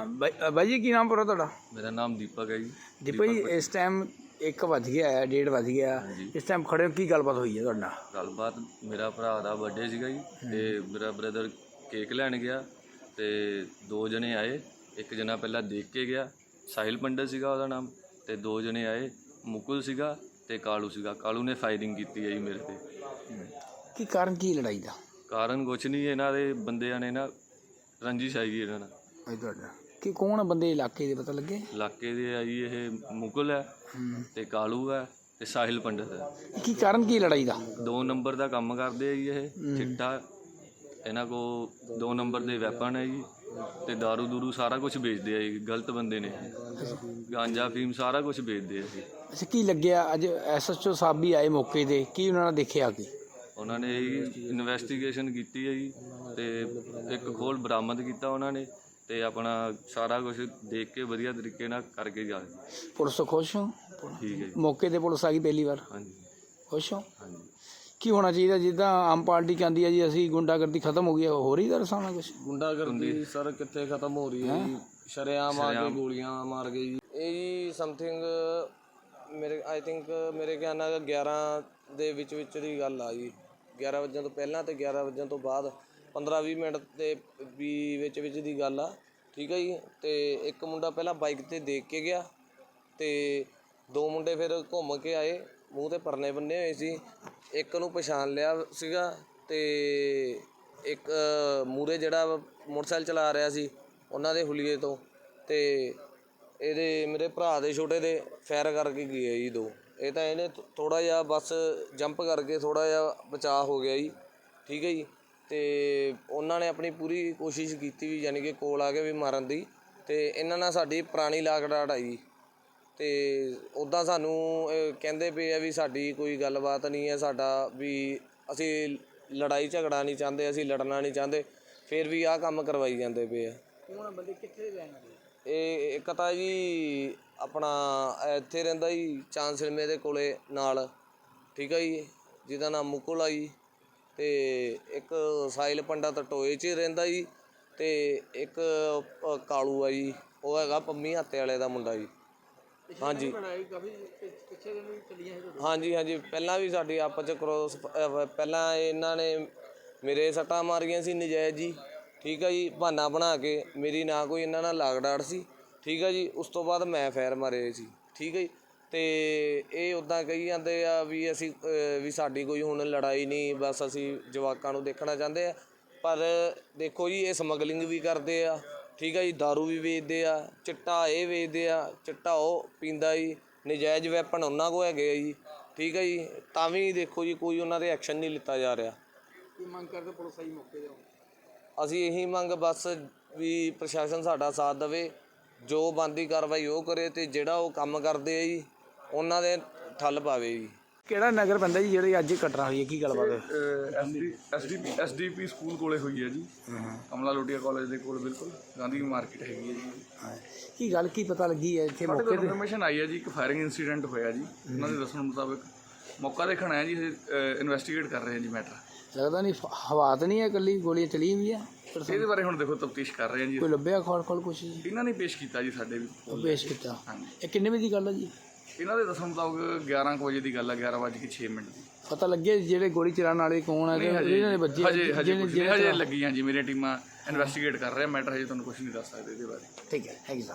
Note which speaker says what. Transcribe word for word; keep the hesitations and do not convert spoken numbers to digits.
Speaker 1: ਬਾਈ ਬਾਈ ਜੀ ਕੀ ਨਾਮ ਪੂਰਾ ਤੁਹਾਡਾ?
Speaker 2: ਮੇਰਾ ਨਾਮ ਦੀਪਕ ਹੈ ਜੀ।
Speaker 1: ਦੀਪਕ ਜੀ ਇਸ ਟਾਈਮ ਇੱਕ ਵੱਜ ਗਿਆ ਹੈ, ਡੇਢ ਵੱਜ ਗਿਆ, ਇਸ ਟਾਈਮ ਖੜੇ ਹੋ, ਕੀ ਗੱਲਬਾਤ ਹੋਈ ਹੈ ਤੁਹਾਡਾ?
Speaker 2: ਗੱਲਬਾਤ ਮੇਰਾ ਭਰਾ ਦਾ ਬਰਥਡੇ ਸੀਗਾ ਜੀ ਤੇ ਮੇਰਾ ਬ੍ਰਦਰ ਕੇਕ ਲੈਣ ਗਿਆ ਤੇ ਦੋ ਜਣੇ ਆਏ। ਇੱਕ ਜਣਾ ਪਹਿਲਾਂ ਦੇਖ ਕੇ ਗਿਆ, ਸਾਹਿਲ ਪੰਡਤ ਸੀਗਾ ਉਹਦਾ ਨਾਮ, ਤੇ ਦੋ ਜਣੇ ਆਏ, ਮੁਕੁਲ ਸੀਗਾ ਤੇ ਕਾਲੂ ਸੀਗਾ। ਕਾਲੂ ਨੇ ਫਾਇਰਿੰਗ ਕੀਤੀ ਹੈ ਜੀ ਮੇਰੇ ਤੇ।
Speaker 1: ਕੀ ਕਾਰਨ ਕੀ ਲੜਾਈ ਦਾ?
Speaker 2: ਕਾਰਨ ਕੁਛ ਨਹੀਂ, ਇਹਨਾਂ ਦੇ ਬੰਦਿਆਂ ਨੇ ਨਾ ਰੰਜਿਸ਼ ਆਈ ਇਹਨਾਂ ਨਾਲ।
Speaker 1: ਭਾਈ ਤੁਹਾਡਾ ਕੀ ਕੌਣ ਬੰਦੇ ਇਲਾਕੇ ਦੇ ਪਤਾ ਲੱਗੇ?
Speaker 2: ਇਲਾਕੇ ਦੇ ਆ ਜੀ, ਇਹ ਮੁਕੁਲ ਹੈ ਤੇ ਕਾਲੂ ਹੈ ਤੇ ਸਾਹਿਲ ਪੰਡਤ ਹੈ।
Speaker 1: ਕੀ ਕਾਰਨ ਕੀ ਲੜਾਈ ਦਾ?
Speaker 2: ਦੋ ਨੰਬਰ ਦਾ ਕੰਮ ਕਰਦੇ ਆ ਜੀ ਇਹ, ਚਿੱਟਾ ਇਹਨਾਂ ਕੋ ਦੋ ਨੰਬਰ ਦੇ ਵੈਪਨ ਹੈ ਜੀ ਤੇ ਦਾਰੂ ਦੂਰੂ ਸਾਰਾ ਕੁਝ ਵੇਚਦੇ ਆ ਜੀ। ਗਲਤ ਬੰਦੇ ਨੇ, ਗਾਂਜਾ ਫੀਮ ਸਾਰਾ ਕੁਝ ਵੇਚਦੇ ਆ ਜੀ।
Speaker 1: ਅੱਛਾ ਕੀ ਲੱਗਿਆ ਅੱਜ ਐਸ ਐਚ ਓ ਸਾਹਿਬ ਵੀ ਆਏ ਮੌਕੇ 'ਤੇ, ਕੀ ਉਹਨਾਂ ਨੇ ਦੇਖਿਆ? ਕੀ
Speaker 2: ਉਹਨਾਂ ਨੇ ਇਨਵੈਸਟੀਗੇਸ਼ਨ ਕੀਤੀ ਹੈ ਜੀ ਤੇ ਇੱਕ ਖੋਲ ਬਰਾਮਦ ਕੀਤਾ ਉਹਨਾਂ ਨੇ ਤੇ ਆਪਣਾ ਸਾਰਾ ਕੁਝ ਦੇਖ ਕੇ ਵਧੀਆ ਤਰੀਕੇ ਨਾਲ ਕਰਕੇ ਜਾ ਰਹੇ।
Speaker 1: ਪੁਲਿਸ ਤੋਂ ਖੁਸ਼ ਹੋ?
Speaker 2: ਠੀਕ ਹੈ ਜੀ।
Speaker 1: ਮੌਕੇ 'ਤੇ ਪੁਲਿਸ ਆ ਗਈ ਪਹਿਲੀ ਵਾਰ?
Speaker 2: ਹਾਂਜੀ
Speaker 1: ਖੁਸ਼ ਹੋ?
Speaker 2: ਹਾਂਜੀ।
Speaker 1: ਕੀ ਹੋਣਾ ਚਾਹੀਦਾ? ਜਿੱਦਾਂ ਆਮ ਪਾਰਟੀ ਕਹਿੰਦੀ ਹੈ ਜੀ ਅਸੀਂ ਗੁੰਡਾਗਰਦੀ ਖਤਮ ਹੋ ਗਈ ਹੈ, ਹੋ ਰਹੀ ਦਾ ਸਾਹਮਣਾ ਕੁਛ?
Speaker 3: ਗੁੰਡਾਗਰਦੀ ਸਰ ਕਿੱਥੇ ਖਤਮ ਹੋ ਰਹੀ ਹੈ ਜੀ? ਸ਼ਰੇਆਮ ਆ ਕੇ ਗੋਲੀਆਂ ਮਾਰ ਗਏ ਜੀ। ਇਹ ਜੀ ਸਮਥਿੰਗ ਮੇਰੇ ਆਈ ਥਿੰਕ ਮੇਰੇ ਖਿਆਲ ਨਾਲ ਗਿਆਰਾਂ ਦੇ ਵਿੱਚ ਵਿੱਚ ਦੀ ਗੱਲ ਆ ਜੀ। ਗਿਆਰਾਂ ਵਜੇ ਤੋਂ ਪਹਿਲਾਂ ਤੇ ਗਿਆਰਾਂ ਵਜੇ ਤੋਂ ਬਾਅਦ ਪੰਦਰਾਂ ਵੀਹ ਮਿੰਟ ਦੇ ਵੀ ਵਿੱਚ ਵਿੱਚ ਦੀ ਗੱਲ ਆ। ਠੀਕ ਹੈ ਜੀ। ਤੇ ਇੱਕ ਮੁੰਡਾ ਪਹਿਲਾਂ ਬਾਈਕ 'ਤੇ ਦੇਖ ਕੇ ਗਿਆ ਤੇ ਦੋ ਮੁੰਡੇ ਫਿਰ ਘੁੰਮ ਕੇ ਆਏ, ਮੂੰਹ 'ਤੇ ਪਰਨੇ ਬੰਨੇ ਹੋਏ ਸੀ। ਇੱਕ ਨੂੰ ਪਛਾਣ ਲਿਆ ਸੀਗਾ ਤੇ ਇੱਕ ਮੂਹਰੇ ਜਿਹੜਾ ਮੋਟਰਸਾਈਕਲ ਚਲਾ ਰਿਹਾ ਸੀ ਉਹਨਾਂ ਦੇ ਹੁਲੀਏ ਤੋਂ, ਤੇ ਇਹਦੇ ਮੇਰੇ ਭਰਾ ਦੇ ਛੋਟੇ ਦੇ ਫਾਇਰ ਕਰਕੇ ਗਏ ਜੀ ਦੋ। ਇਹ ਤਾਂ ਇਹਨੇ ਥੋੜ੍ਹਾ ਜਿਹਾ ਬਸ ਜੰਪ ਕਰਕੇ ਥੋੜ੍ਹਾ ਜਿਹਾ ਬਚਾਅ ਹੋ ਗਿਆ ਜੀ। ਠੀਕ ਹੈ ਜੀ। ਅਤੇ ਉਹਨਾਂ ਨੇ ਆਪਣੀ ਪੂਰੀ ਕੋਸ਼ਿਸ਼ ਕੀਤੀ ਵੀ, ਯਾਨੀ ਕਿ ਕੋਲ ਆ ਕੇ ਵੀ ਮਾਰਨ ਦੀ, ਅਤੇ ਇਹਨਾਂ ਨਾਲ ਸਾਡੀ ਪੁਰਾਣੀ ਲਾਗ ਡਾਟ ਆਈ। ਅਤੇ ਉੱਦਾਂ ਸਾਨੂੰ ਕਹਿੰਦੇ ਪਏ ਆ ਵੀ ਸਾਡੀ ਕੋਈ ਗੱਲਬਾਤ ਨਹੀਂ ਹੈ, ਸਾਡਾ ਵੀ ਅਸੀਂ ਲੜਾਈ ਝਗੜਾ ਨਹੀਂ ਚਾਹੁੰਦੇ, ਅਸੀਂ ਲੜਨਾ ਨਹੀਂ ਚਾਹੁੰਦੇ, ਫਿਰ ਵੀ ਆਹ ਕੰਮ ਕਰਵਾਈ ਜਾਂਦੇ ਪਏ ਆ।
Speaker 1: ਕੌਣ ਬੰਦੇ ਕਿੱਥੇ ਰਹਿਣ ਵਾਲੇ?
Speaker 3: ਇਹ ਇੱਕ ਤਾਂ ਜੀ ਆਪਣਾ ਇੱਥੇ ਰਹਿੰਦਾ ਜੀ ਚਾਂਦ ਸਿਨੇਮੇ ਦੇ ਕੋਲੇ ਨਾਲ। ਠੀਕ ਆ ਜੀ, ਜਿਹਦਾ ਨਾਮ ਮੁਕੁਲ ਆ ਜੀ, ਅਤੇ ਇੱਕ ਸਾਹਿਲ ਪੰਡਤ ਟੋਏ 'ਚ ਰਹਿੰਦਾ ਜੀ, ਅਤੇ ਇੱਕ ਕਾਲੂ ਆ ਜੀ, ਉਹ ਹੈਗਾ ਪੰਮੀ ਹਾਤੇ ਵਾਲੇ ਦਾ ਮੁੰਡਾ ਜੀ। ਹਾਂਜੀ ਹਾਂਜੀ ਹਾਂਜੀ ਪਹਿਲਾਂ ਵੀ ਸਾਡੀ ਆਪਸ 'ਚ ਕਰੋਸ, ਪਹਿਲਾਂ ਇਹਨਾਂ ਨੇ ਮੇਰੇ ਸੱਟਾਂ ਮਾਰੀਆਂ ਸੀ ਨਜਾਇਜ਼ ਜੀ। ਠੀਕ ਆ ਜੀ। ਬਹਾਨਾ ਬਣਾ ਕੇ, ਮੇਰੀ ਨਾ ਕੋਈ ਇਹਨਾਂ ਨਾਲ ਲਾਗ ਡਾਟ ਸੀ। ਠੀਕ ਆ ਜੀ। ਉਸ ਤੋਂ ਬਾਅਦ ਮੈਂ ਫਾਇਰ ਮਾਰੇ ਸੀ। ਠੀਕ ਹੈ ਜੀ। ਅਤੇ ਇਹ ਉੱਦਾਂ ਕਹੀ ਜਾਂਦੇ ਆ ਵੀ ਅਸੀਂ ਵੀ ਸਾਡੀ ਕੋਈ ਹੁਣ ਲੜਾਈ ਨਹੀਂ, ਬਸ ਅਸੀਂ ਜਵਾਕਾਂ ਨੂੰ ਦੇਖਣਾ ਚਾਹੁੰਦੇ ਆ। ਪਰ ਦੇਖੋ ਜੀ, ਇਹ ਸਮਗਲਿੰਗ ਵੀ ਕਰਦੇ ਆ। ਠੀਕ ਆ ਜੀ। ਦਾਰੂ ਵੀ ਵੇਚਦੇ ਆ, ਚਿੱਟਾ ਇਹ ਵੇਚਦੇ ਆ, ਚਿੱਟਾ ਉਹ ਪੀਂਦਾ ਜੀ, ਨਜਾਇਜ਼ ਵੈਪਨ ਉਹਨਾਂ ਕੋਲ ਹੈਗੇ ਆ ਜੀ। ਠੀਕ ਹੈ ਜੀ। ਤਾਂ ਵੀ ਦੇਖੋ ਜੀ ਕੋਈ ਉਹਨਾਂ 'ਤੇ ਐਕਸ਼ਨ ਨਹੀਂ ਲਿੱਤਾ ਜਾ ਰਿਹਾ।
Speaker 1: ਕੀ ਮੰਗ ਕਰਦੇ ਪੁਲਿਸ ਆਈ ਮੌਕੇ 'ਤੇ?
Speaker 3: ਅਸੀਂ ਇਹੀ ਮੰਗ ਬਸ ਵੀ ਪ੍ਰਸ਼ਾਸਨ ਸਾਡਾ ਸਾਥ ਦੇਵੇ, ਜੋ ਬਣਦੀ ਕਾਰਵਾਈ ਉਹ ਕਰੇ, ਅਤੇ ਜਿਹੜਾ ਉਹ ਕੰਮ ਕਰਦੇ ਆ ਜੀ ਉਹਨਾਂ ਦੇ ਠੱਲ ਪਾਵੇ ਜੀ।
Speaker 1: ਕਿਹੜਾ ਨਗਰ ਪੈਂਦਾ ਜੀ ਜਿਹੜੀ ਅੱਜ ਘਟਨਾ ਹੋਈ ਹੈ, ਕੀ ਗੱਲਬਾਤ ਹੈ?
Speaker 4: ਐਸ ਡੀ ਪੀ ਸਕੂਲ ਕੋਲੇ ਹੋਈ ਹੈ ਜੀ, ਕਮਲਾ ਲੋਟੀਆ ਕਾਲਜ ਦੇ ਕੋਲ, ਬਿਲਕੁਲ ਗਾਂਧੀ ਮਾਰਕੀਟ ਹੈਗੀ ਹੈ ਜੀ।
Speaker 1: ਕੀ ਗੱਲ ਕੀ ਪਤਾ ਲੱਗੀ ਹੈ ਇੱਥੇ ਮੌਕੇ 'ਤੇ?
Speaker 4: ਇਨਫੋਰਮੇਸ਼ਨ ਆਈ ਹੈ ਜੀ, ਇੱਕ ਫਾਇਰਿੰਗ ਇੰਸੀਡੈਂਟ ਹੋਇਆ ਜੀ। ਉਹਨਾਂ ਦੇ ਦੱਸਣ ਮੁਤਾਬਕ ਮੌਕਾ ਦੇਖਣ ਆਇਆ ਜੀ, ਇਨਵੈਸਟੀਗੇਟ ਕਰ ਰਹੇ ਹਾਂ ਜੀ ਮੈਟਰ।
Speaker 1: ਲੱਗਦਾ ਨਹੀਂ ਹਵਾ ਤਾਂ ਨਹੀਂ ਹੈ, ਇਕੱਲੀ ਗੋਲੀਆਂ ਚਲੀਆਂ ਵੀ ਆ?
Speaker 4: ਇਹਦੇ ਬਾਰੇ ਹੁਣ ਦੇਖੋ ਤਫਤੀਸ਼ ਕਰ ਰਹੇ ਹਾਂ ਜੀ।
Speaker 1: ਕੋਈ ਲੱਭਿਆ ਖੋਲ ਖੋਲ ਕੁਛ ਜੀ?
Speaker 4: ਇਹਨਾਂ ਨੇ ਪੇਸ਼ ਕੀਤਾ ਜੀ ਸਾਡੇ ਵੀ
Speaker 1: ਪੇਸ਼ ਕੀਤਾ।
Speaker 4: ਹਾਂਜੀ।
Speaker 1: ਇਹ ਕਿੰਨੇ ਵਜੇ ਦੀ ਗੱਲ ਹੈ ਜੀ?
Speaker 4: ਇਹਨਾਂ ਦੇ ਦੱਸਣ ਮੁਤਾਬਕ ਗਿਆਰਾਂ ਕੁ ਵਜੇ ਦੀ ਗੱਲ ਹੈ, ਗਿਆਰਾਂ ਵੱਜ ਕੇ ਛੇ ਮਿੰਟ ਦੀ।
Speaker 1: ਪਤਾ ਲੱਗਿਆ ਜਿਹੜੇ ਗੋਲੀ ਚਲਾਉਣ ਵਾਲੇ ਕੌਣ ਹੈ? ਇਹਨਾਂ ਦੇ ਬੱਚੇ
Speaker 4: ਹਜੇ ਹਜੇ ਹਜੇ ਲੱਗੀਆਂ ਜੀ, ਮੇਰੀਆਂ ਟੀਮਾਂ ਇਨਵੈਸਟੀਗੇਟ ਕਰ ਰਹੇ ਮੈਟਰ, ਹਜੇ ਤੁਹਾਨੂੰ ਕੁਝ ਨਹੀਂ ਦੱਸ ਸਕਦੇ ਇਹਦੇ ਬਾਰੇ।
Speaker 1: ਠੀਕ ਹੈ, ਥੈਂਕ ਯੂ ਸਰ।